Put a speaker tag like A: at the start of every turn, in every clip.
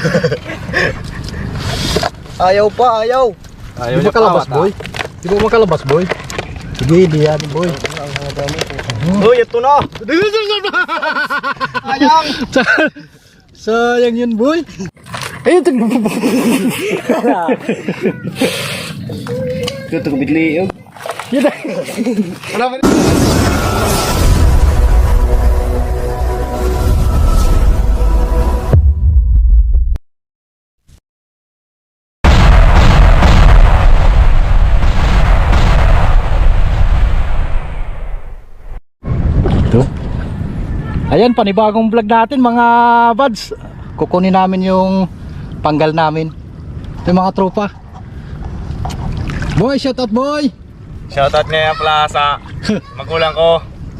A: Ayaw pa, ayaw.
B: Di ba kalabas, boy? Di ba makalabas, boy? Sige, di yan, boy.
A: Uy, ito na. Sayang.
B: Sayang yun, boy. Ayun,
A: Ito bigli.
B: yun. Ayan, panibagong vlog natin mga buds. Kukunin namin yung panggal namin. Ito yung mga tropa. Boy, shout out, boy.
A: Shoutout ngayon pala sa magulang ko.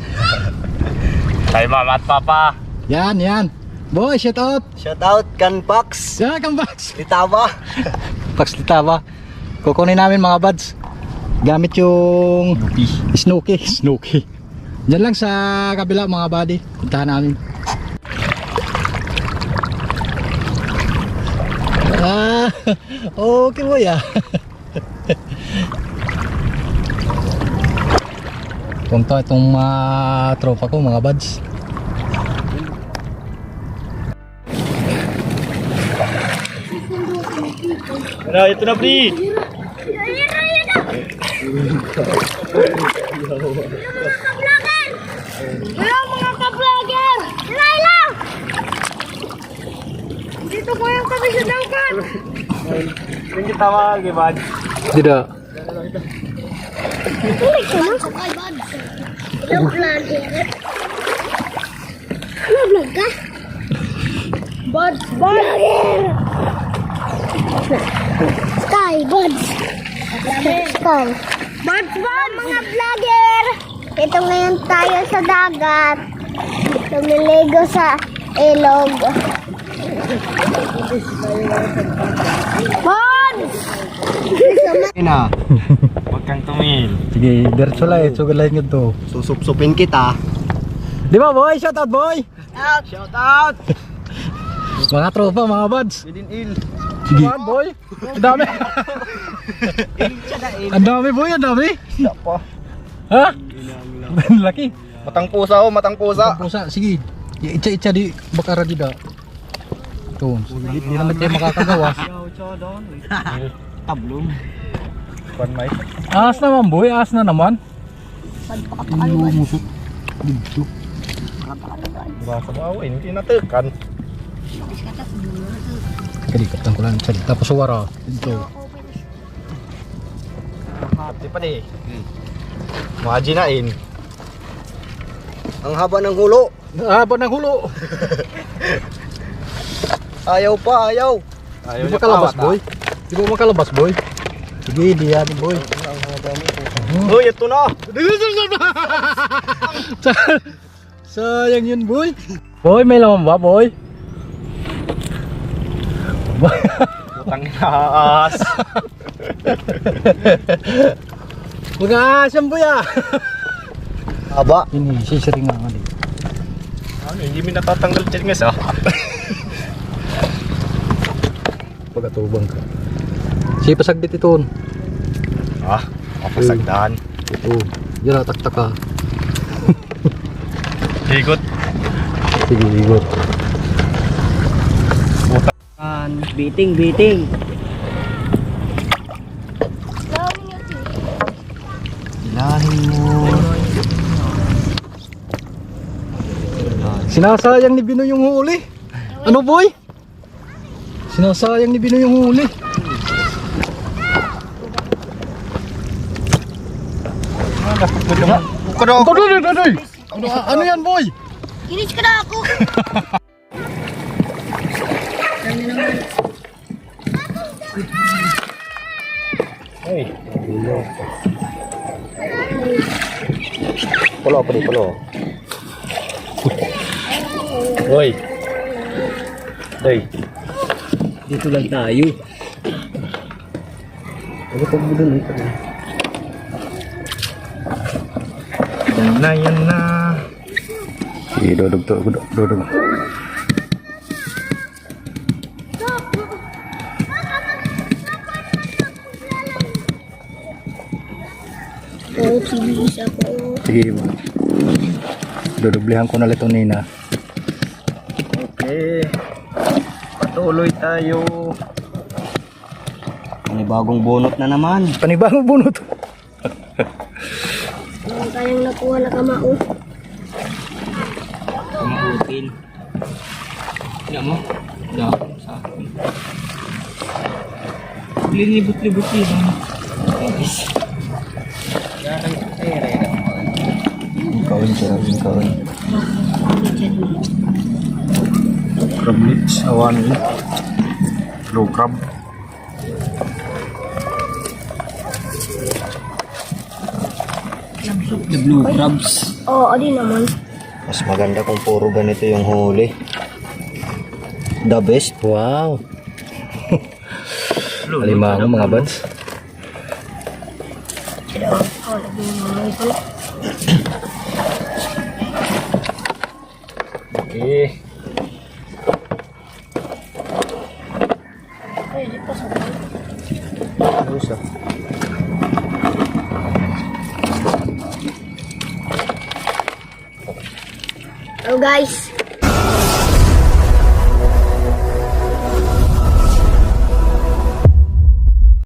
A: Kay mama at papa.
B: Yan, yan. Boy, shout out.
A: Shoutout kan Pax.
B: Yan, come back.
A: Litaba.
B: Paxlita ba? Kukunin namin mga buds. Gamit yung Snooki. Diyan lang sa kabila mga buddy. Puntahan namin. Okay boy Punta itong mga tropa ko mga buds.
A: Ito na, Pri.
C: Hello mga ka-vlogger! Laila! Dito po yung kami sa dagat!
A: Yung kita mag-ibad.
B: Dida.
C: Ulit ka na? Kay Bad. Hello vlogger! Ano vlog ka? Bad! Vlogger! Sky! Bad! Sky! Bad! Mga vlogger! Ito ngayon tayo sa dagat. Lumiligo sa ilog. Bods!
A: Ina. Huwag kang tumingin.
B: Sige, diretso lang sugalahin nyo to.
A: Susupsupin kita.
B: Di ba boy? Shout out boy!
A: Shoutout.
B: Mga tropa mga buds.
A: Within il.
B: Sige. Boy, ang dami. Ang dami boy, ang dami.
A: Pa.
B: Ha? Laki.
A: Matang pusa oh, matang pusa.
B: Pusa, sige. Itcha di bakara dida. Ito, di naman tayo makakagawa.
A: Tablong. Pan may.
B: Ahas naman boy, ahas na naman. Lumusot. Dito.
A: Baka mo hindi natekan.
B: Kalikatan ko lang sa tapos suwara. Dito.
A: Hati pa di. Majinain. Ang haba ng hulo.
B: Haba ng hulo.
A: Ayaw pa, ayaw.
B: Di ba kalabas boy? Di ba makalabas boy? Sige, di yan boy.
A: Uy, ito na.
B: Sayang yun boy. Boy, may laman ba boy?
A: Putang inaas.
B: Mga asam boy
A: Haba.
B: Ini sisiring nga din.
A: Ano, hindi mo natatanggal chinges ah.
B: Pagkatubang ka. Si pasagdit ito.
A: Ah, mapasagdaan.
B: Ito. Yan taktak ka.
A: Higot.
B: Sige, igot.
D: Biting.
B: Ilahin mo. Sinasayang ni Binoy yung huli. Ano boy? Sinasayang ni Binoy yung huli. Ano yan boy?
C: Kinis ka na ako!
A: Hey. Pulo. Hoy. Hey.
D: Dito lang tayo.
B: Ano pag budol ito?
A: Yan na.
B: Sige, dodog.
C: Oh, sige, isa po.
B: Sige. Dudublihan ko na ito nina.
A: Okay. Patuloy tayo.
D: Panibagong bunot na naman.
B: Panibagong bunot.
C: Ang kayang nakuha na kamao.
D: Kumautin. Tignan mo. Dahon sa akin. Linibot-libot yun. Yes.
B: Kaon siya. Kaon. Crab lips. Awan. Low crab.
D: The blue crabs.
C: Oo, oh, di naman.
D: Mas maganda kung puro ganito yung huli. The best.
B: Wow. Alimango mga buds.
C: Oh, lagi naman ito.
A: Okay.
C: Ay, di pa sa
A: Busa.
C: Hello guys,